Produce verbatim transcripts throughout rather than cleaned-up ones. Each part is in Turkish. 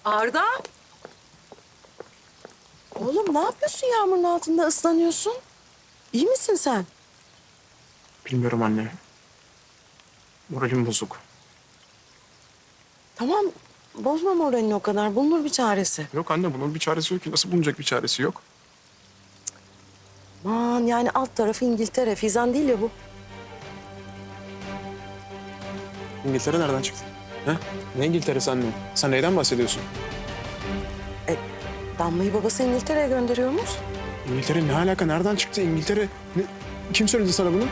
Arda. Oğlum ne yapıyorsun yağmurun altında ıslanıyorsun? İyi misin sen? Bilmiyorum anne. Moralim bozuk. Tamam bozma moralini o kadar. Bulunur bir çaresi. Yok anne bunun bir çaresi yok ki. Nasıl bulunacak bir çaresi yok? Aman yani alt tarafı İngiltere. Fizan değil ya bu. İngiltere nereden çıktı? Ha? Ne İngiltere'si anne? Sen neyden bahsediyorsun? Damla'yı babası İngiltere'ye gönderiyormuş. İngiltere ne alaka? Nereden çıktı İngiltere? Ne? Kim söyledi sana bunu?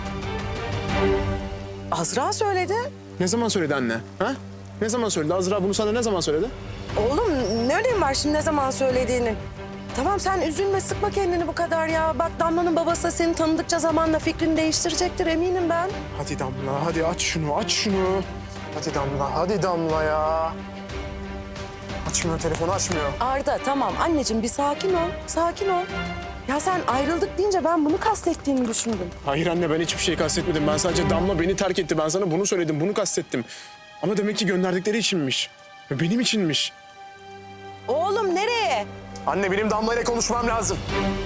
Azra söyledi. Ne zaman söyledi anne? Ha? Ne zaman söyledi? Azra bunu sana ne zaman söyledi? Oğlum ne önemi var şimdi ne zaman söylediğinin? Tamam sen üzülme sıkma kendini bu kadar ya. Bak Damla'nın babası seni tanıdıkça zamanla fikrini değiştirecektir eminim ben. Hadi Damla, hadi aç şunu, aç şunu. Hadi Damla, hadi Damla ya. Açmıyor, telefonu açmıyor. Arda tamam anneciğim bir sakin ol. Sakin ol. Ya sen ayrıldık deyince ben bunu kastettiğini düşündüm. Hayır anne, ben hiçbir şey kastetmedim. Ben sadece Damla beni terk etti. Ben sana bunu söyledim, bunu kastettim. Ama demek ki gönderdikleri içinmiş. Ve benim içinmiş. Oğlum nereye? Anne, benim Damla ile konuşmam lazım.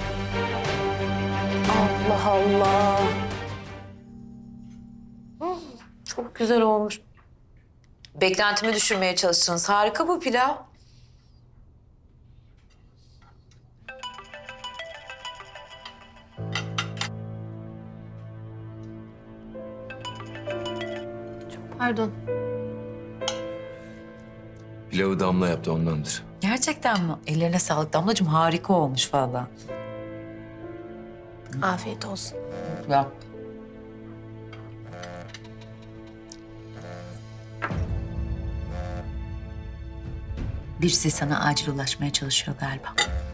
Allah Allah. Çok güzel olmuş. Beklentimi düşürmeye çalıştınız. Harika bu pilav. Pardon. Pilavı Damla yaptı ondandır. Gerçekten mi? Ellerine sağlık Damlacığım. Harika olmuş vallahi. Afiyet olsun. Ya. Birisi sana acil ulaşmaya çalışıyor galiba.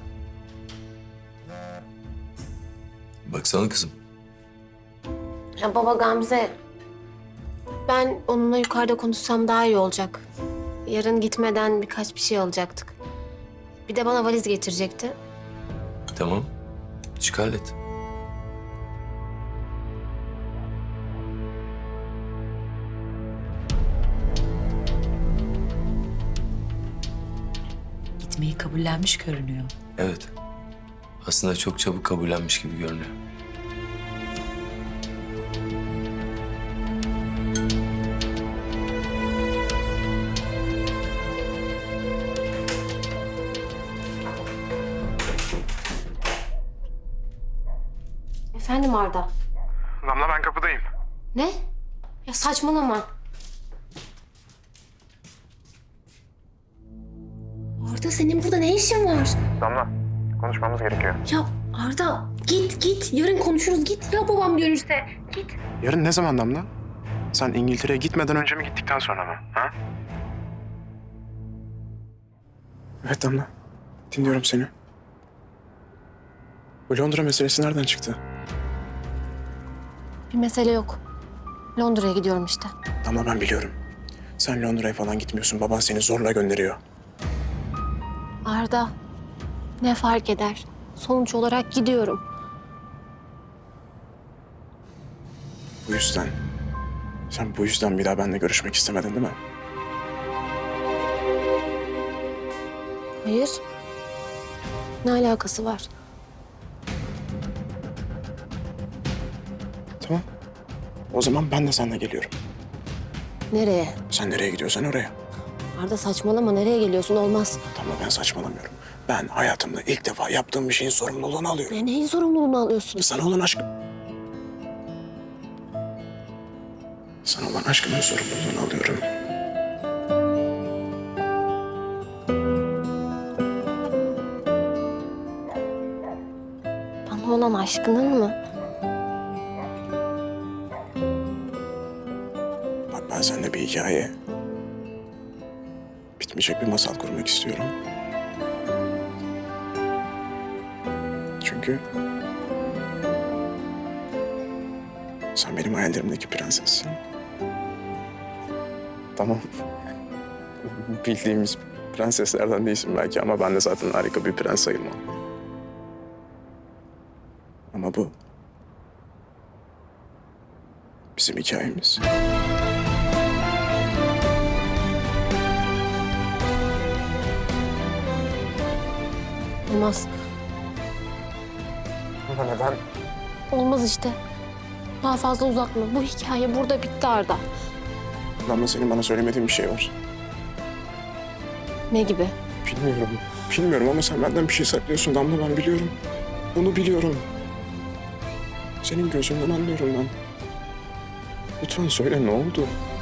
Baksana kızım. Ya baba Gamze, ben onunla yukarıda konuşsam daha iyi olacak. Yarın gitmeden birkaç bir şey alacaktık. Bir de bana valiz getirecekti. Tamam. Çık hallet. Gitmeyi kabullenmiş görünüyor. Evet. Aslında çok çabuk kabullenmiş gibi görünüyor. Efendim Arda. Damla, ben kapıdayım. Ne? Ya saçmalama. Arda senin burada ne işin var? Damla, konuşmamız gerekiyor. Ya Arda git git. Yarın konuşuruz git. Ya babam görürse. Git. Yarın ne zaman Damla? Sen İngiltere'ye gitmeden önce mi, gittikten sonra mı? Ha? Evet Damla, dinliyorum seni. Bu Londra meselesi nereden çıktı? Bir mesele yok. Londra'ya gidiyorum işte. Damla, ben biliyorum. Sen Londra'ya falan gitmiyorsun. Baban seni zorla gönderiyor. Arda, ne fark eder? Sonuç olarak gidiyorum. Bu yüzden... Sen bu yüzden bir daha benimle görüşmek istemedin değil mi? Hayır. Ne alakası var? Tamam. O zaman ben de seninle geliyorum. Nereye? Sen nereye gidiyorsan oraya. Arda saçmalama. Nereye geliyorsun? Olmaz. Tamam, ben saçmalamıyorum. Ben hayatımda ilk defa yaptığım bir şeyin sorumluluğunu alıyorum. Ne, neyin sorumluluğunu alıyorsun? Sana olan aşkım. Sana olan aşkımın sorumluluğunu alıyorum. Bana olan aşkının mı? Bak, ben seninle bir hikaye... bitmeyecek bir masal kurmak istiyorum. Çünkü... sen benim hayallerimdeki prensessin. Tamam. Bildiğimiz prenseslerden değilsin belki ama ben de zaten harika bir prens sayılmam. Ama bu... bizim hikayemiz. olmaz. Ama neden? Olmaz işte. Daha fazla uzatma. Bu hikaye burada bitti Arda. Damla, senin bana söylemediğin bir şey var. Ne gibi? Bilmiyorum. Bilmiyorum ama sen benden bir şey saklıyorsun Damla, ben biliyorum. Bunu biliyorum. Senin gözünden anlıyorum ben. Lütfen söyle, ne oldu?